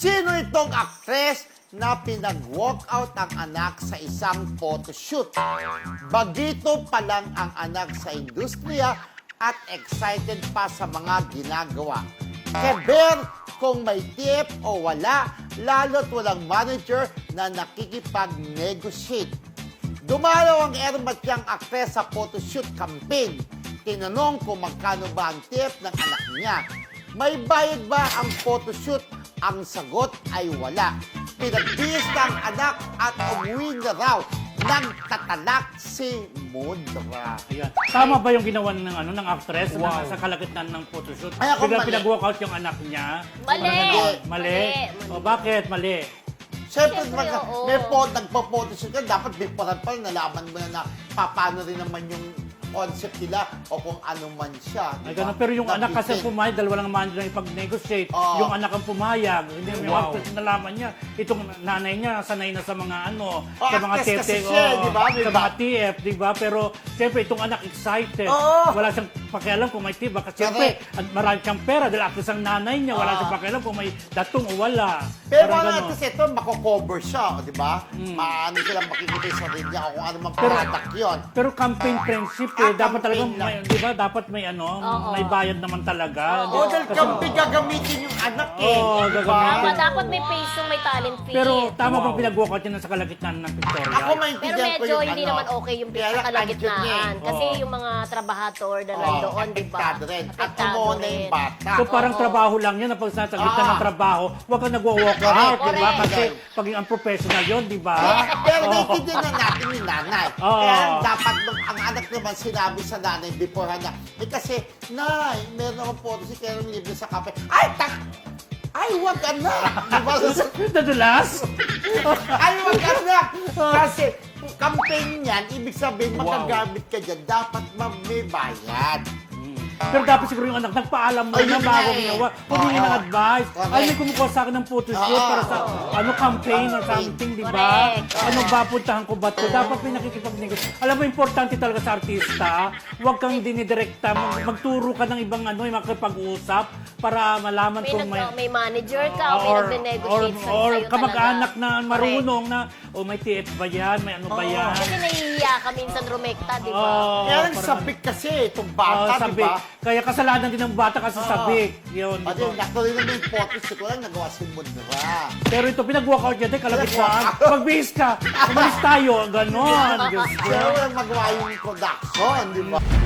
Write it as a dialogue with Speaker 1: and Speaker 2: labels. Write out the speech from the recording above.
Speaker 1: Sino itong aktres na pinag-walkout ang anak sa isang photoshoot? Bagito pa lang ang anak sa industriya at excited pa sa mga ginagawa. Keber kung may tip o wala, lalo't walang manager na nakikipag-negotiate. Dumalaw ang ermatyang aktres sa photoshoot campaign. Tinanong kung magkano ba ang tip ng anak niya. May bayad ba ang photoshoot? Ang sagot ay wala. Pinagbihis na ang anak at umuwi na raw. Nagtatalak si Mudra.
Speaker 2: Ayan. Tama ba yung ginawa ng actress
Speaker 1: Wow.
Speaker 2: na sa kalagitnaan ng photoshoot?
Speaker 1: Ay, ako
Speaker 2: Biglang
Speaker 1: mali.
Speaker 2: pinag-walkout yung anak niya?
Speaker 3: Mali.
Speaker 2: Mali?
Speaker 3: Mali.
Speaker 2: O bakit mali?
Speaker 1: Siyempre,
Speaker 3: Siyempre, oo.
Speaker 1: nagpo-photoshoot ka, dapat before pa nalaman mo na paano rin naman yung concept nila o kung ano man siya.
Speaker 2: Ay,
Speaker 1: diba?
Speaker 2: ganun. Pero yung anak kasi
Speaker 1: Napitin.
Speaker 2: pumayag, dalawa lang manager na ipag-negotiate.
Speaker 1: Oo.
Speaker 2: Yung anak ang pumayag. Hindi mo
Speaker 1: Wow.
Speaker 2: yung nalaman niya. Itong nanay niya, sanay na sa mga sa mga
Speaker 1: actress kasi
Speaker 2: tete,
Speaker 1: siya, di ba?
Speaker 2: sa mga TF, di ba? Pero siyempre itong anak excited.
Speaker 1: Oo.
Speaker 2: Wala siyang pakialam kung may tip. Kasi siyempre, at marami siyang pera dahil actress ang nanay niya. Wala siyang pakialam kung may datong o wala.
Speaker 1: Pero
Speaker 2: Parang
Speaker 1: ano,
Speaker 2: ganun.
Speaker 1: kasi ito, mako-cover siya, di ba? Maano silang makikita yung sarili niya o kung ano man product yun.
Speaker 2: Pero campaign friendship dapat talaga
Speaker 1: campaign lang.
Speaker 2: di ba? Dapat may
Speaker 3: Oo.
Speaker 2: may bayad naman talaga.
Speaker 1: O, dahil kampi gagamitin yung anak eh.
Speaker 2: Oo,
Speaker 1: di ba?
Speaker 2: gagamitin.
Speaker 3: Dapat may face yung may talent fee.
Speaker 2: Pero tama
Speaker 1: Wow.
Speaker 2: bang pinag-walkout yun sa kalagitnaan ng Victoria?
Speaker 1: Ako
Speaker 3: Pero
Speaker 1: maintindihan ko
Speaker 3: medyo
Speaker 1: yung
Speaker 3: hindi naman okay yung
Speaker 1: Kaya
Speaker 3: sa
Speaker 1: lang, andyan
Speaker 3: kalagitnaan.
Speaker 1: niya eh.
Speaker 3: Kasi
Speaker 2: Oo.
Speaker 3: yung mga trabahador na
Speaker 1: Oo,
Speaker 3: nandoon, di ba?
Speaker 1: apektado rin. At
Speaker 3: Apektado
Speaker 1: umuna
Speaker 3: rin.
Speaker 1: yung bata.
Speaker 2: So parang
Speaker 3: Oo.
Speaker 2: trabaho lang yun, pag sa gitna ng trabaho, huwag kang nagwa-walk out,
Speaker 1: Correct,
Speaker 2: di ba?
Speaker 3: correct.
Speaker 2: Kasi paging unprofessional yun, di ba?
Speaker 1: Pero naiintindihan na natin yung nanay.
Speaker 2: Oo.
Speaker 1: Kaya dapat nung ang anak naman sinabi sa nanay before niya, kasi, Nay, meron akong photoshoot, kaya nung libre sa kape. Ay, wag ka na! Di ba?
Speaker 2: Nadulas?
Speaker 1: Ay, wag ka na! Kasi, campaign niyan, ibig sabihin, makagamit ka dyan, dapat may bayad.
Speaker 2: Pero dapat siguro yung anak, nagpaalam mo
Speaker 1: Ayun
Speaker 2: na bago
Speaker 1: nga eh.
Speaker 2: ginawa. Humingi
Speaker 1: Oo.
Speaker 2: ng advice.
Speaker 1: Correct.
Speaker 2: Ay, may kumukuha sa akin ng photoshoot
Speaker 1: Oo.
Speaker 2: para sa campaign or something, di ba?
Speaker 3: Correct.
Speaker 2: Ano ba, puntahan ko ba ito? Dapat may nakikipag-negosyo. Alam mo, importante talaga sa artista, huwag kang dinidirekta. Magturo ka ng ibang yung makipag-usap para malaman kung may...
Speaker 3: May manager ka o may nagde-negotiate sa
Speaker 2: or
Speaker 3: sa'yo
Speaker 2: kamag-anak
Speaker 3: talaga.
Speaker 2: na marunong na, may TF ba yan? May ano ba yan?
Speaker 3: Kasi nahihiya ka minsan rumekta, di ba?
Speaker 2: Oo,
Speaker 1: Kaya lang
Speaker 2: parang-
Speaker 1: sabik kasi, itong bata, di
Speaker 2: sabik.
Speaker 1: ba?
Speaker 2: Kaya kasalanan din ng bata kasi sabik. Yun, di
Speaker 1: Pati
Speaker 2: ba?
Speaker 1: yung natuloy naman yung photoshoot ko lang, nagawa si Mudra.
Speaker 2: Pero ito, pinag-walkout niya, kalagitnaan. Magbihis ka, umalis tayo, ganon. Diyos ko.
Speaker 1: Pero walang magawa yung production, di ba?